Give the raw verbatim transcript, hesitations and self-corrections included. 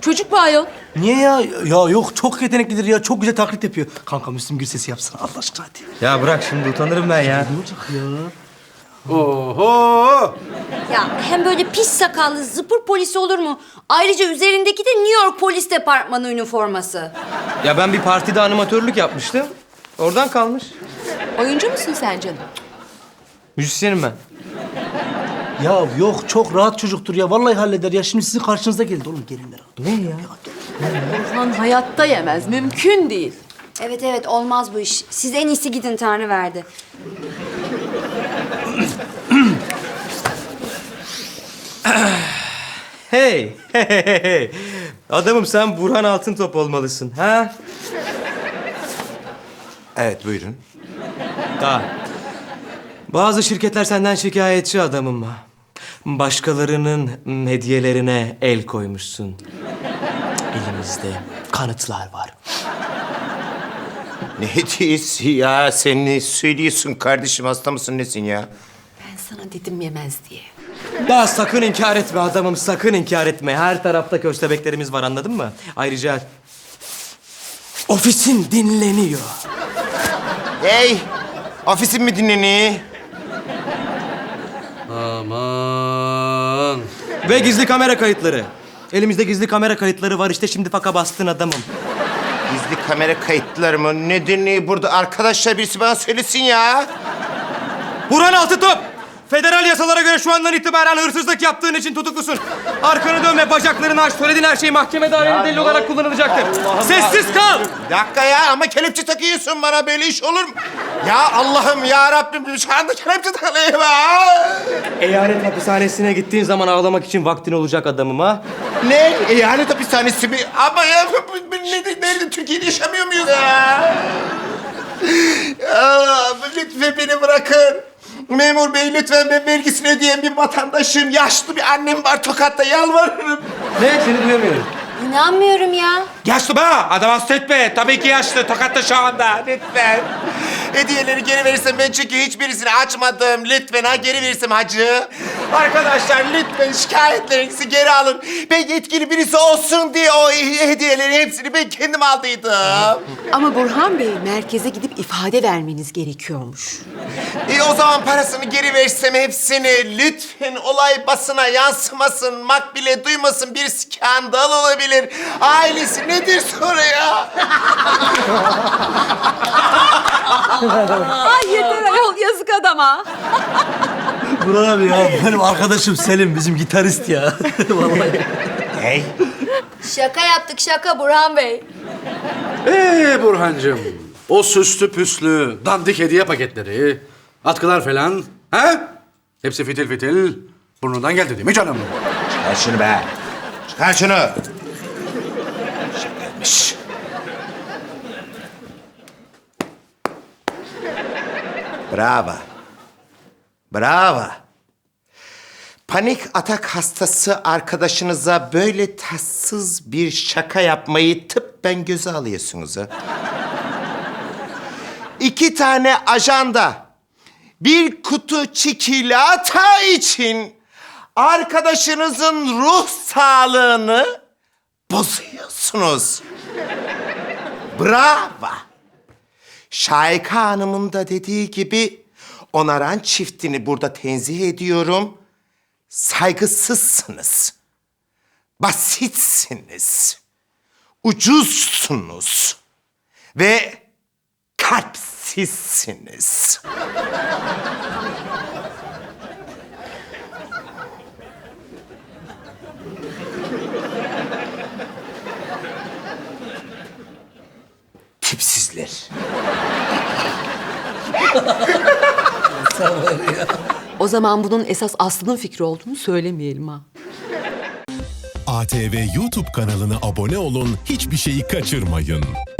Çocuk mu ayol? Niye ya? Ya yok çok yeteneklidir ya. Çok güzel taklit yapıyor. Kanka Müslüm Gürses'i yapsana Allah aşkına hadi. Ya bırak şimdi utanırım ben ya. Ne olacak ya? Oho! Ya hem böyle pis sakallı zıpır polisi olur mu? Ayrıca üzerindeki de New York Polis Departmanı üniforması. Ya ben bir partide animatörlük yapmıştım. Oradan kalmış. Oyuncu musun sen canım? Müzisyenim ben. Ya yok çok rahat çocuktur ya. Vallahi halleder ya. Şimdi sizin karşınıza geldi oğlum. Gelin merak. Ne ya? Burhan hayatta yemez. Mümkün değil. Evet evet olmaz bu iş. Siz en iyisi gidin Tanrı verdi. Hey, hey, hey, hey. Adamım sen Burhan Altıntop olmalısın, ha? Evet, buyurun. Da. Bazı şirketler senden şikayetçi adamım. Başkalarının hediyelerine el koymuşsun. Elimizde kanıtlar var. Ne hediyesi ya? Sen ne söylüyorsun kardeşim? Hasta mısın, nesin ya? Ben sana dedim yemez diye. Daha sakın inkar etme adamım, sakın inkar etme. Her tarafta köstebeklerimiz var, anladın mı? Ayrıca ofisin dinleniyor. Hey! Ofisim mi dinleniyor? Aman. Ve gizli kamera kayıtları. Elimizde gizli kamera kayıtları var işte, şimdi faka bastın adamım. Gizli kamera kayıtları mı? Ne dinliyor burada? Arkadaşlar birisi bana söylesin ya. Burhan Altıntop! Federal yasalara göre şu andan itibaren hırsızlık yaptığın için tutuklusun. Arkanı dönme, bacaklarını aç. Söylediğin her şey mahkemede aleni delil olarak kullanılacaktır. Sessiz kal! Bir dakika ya, ama kelepçe takıyorsun bana, böyle iş olur mu? Ya Allah'ım ya Rabbim, şu anda kelepçe takılayım ha. Eyalet hapishanesine gittiğin zaman ağlamak için vaktin olacak adamım, ha? Ne? Eyalet hapishanesi mi? Ama ya bu- bu- nerede, nerede? Türkiye'de yaşamıyor muyuz ya? Ya lütfen beni bırakın. Memur bey lütfen, ben vergisini ödeyen bir vatandaşım. Yaşlı bir annem var Tokat'ta, yalvarırım. Ne? Seni duyamıyorum. İnanmıyorum ya. Yaşlı mı? Adam hasta etme. Tabii ki yaşlı. Tokat'ta şu anda. Lütfen. Hediyeleri geri verirsem, ben çünkü hiçbirisini açmadım. Lütfen ha, geri verirsem hacı. Arkadaşlar lütfen şikayetlerinizi geri alın. Ben yetkili birisi olsun diye o hediyelerin hepsini ben kendim aldıydım. Ama Burhan Bey merkeze gidip ifade vermeniz gerekiyormuş. E o zaman parasını geri versem hepsini. Lütfen olay basına yansımasın, makbule duymasın, bir skandal olabilir. Ailesi nedir sonra ya? Ay yeter ayol, yazık adama. Burhan abi ya benim arkadaşım Selim bizim gitarist ya. Vallahi. Hey. Şaka yaptık şaka Burhan Bey. Ee Burhancığım, o süslü püslü dandik hediye paketleri, atkılar falan, ha? Hepsi fitil fitil burnundan geldi değil mi canım? Çıkar şunu be. Çıkar şunu. Şakaymış. Bravo. Bravo. Panik atak hastası arkadaşınıza böyle tatsız bir şaka yapmayı tıbben göze alıyorsunuz ha. İki tane ajanda, bir kutu çikolata için arkadaşınızın ruh sağlığını bozuyorsunuz. Bravo. Şahika Hanım'ın da dediği gibi onaran çiftini burada tenzih ediyorum. Saygısızsınız. Basitsiniz. Ucuzsunuz. Ve kalpsizsiniz. Tipsizler. O zaman bunun esas Aslı'nın fikri olduğunu söylemeyelim ha. A T V YouTube kanalına abone olun, hiçbir şeyi kaçırmayın.